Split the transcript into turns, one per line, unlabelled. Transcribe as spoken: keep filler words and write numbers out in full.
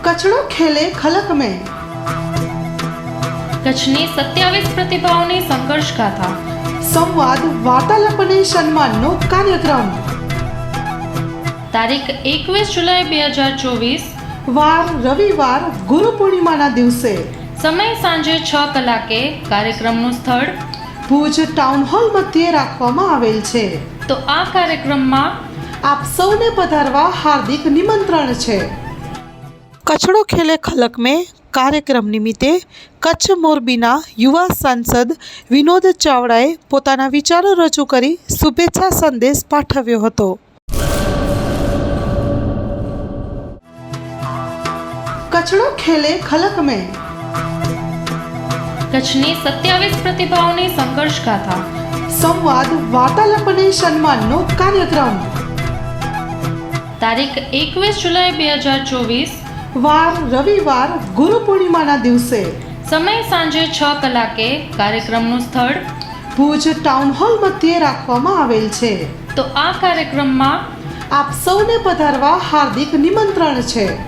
કચડો ખેલે ખલક મેં.
કચ્છની સત્યાવીસ પ્રતિભાઓની સંઘર્ષ ગાથા.
સંવાદ વાર્તાલાપ અને સન્માનનો કાર્યક્રમ.
તારીખ એકવીસ જુલાઈ બે હજાર ચોવીસ.
વાર રવિવાર ગુરુ પૂર્ણિમાના દિવસે.
સમય સાંજે છ કલાકે. કાર્યક્રમનું સ્થળ
ભુજ ટાઉન હોલ મધ્યે રાખવામાં આવેલ છે.
તો આ કાર્યક્રમમાં
આપ સૌને પધારવા હાર્દિક નિમંત્રણ છે. કચડો ખેલે ખલક મેં કાર્યક્રમ નિમિત્તે કચ્છ મોરબીના યુવા સાંસદ વિનોદ ચાવડાએ પોતાના વિચારો રજૂ કરી શુભેચ્છા સંદેશ પાઠવ્યો હતો. કચડો ખેલે ખલક મેં.
કચ્છની સત્યાવીસ પ્રતિભાઓની સંઘર્ષ ગાથા.
સંવાદ વાર્તાલાપ અને સન્માનનો કાર્યક્રમ.
તારીખ એકવીસ જુલાઈ બે હજાર ચોવીસ.
વાર રવિવાર ગુરુ પૂર્ણિમાના દિવસે.
સમય સાંજે છ કલાકે. કાર્યક્રમનું સ્થળ
ભુજ ટાઉન હોલ મધ્યે રાખવામાં આવેલ છે.
તો આ કાર્યક્રમમાં
આપ સૌને પધારવા હાર્દિક નિમંત્રણ છે.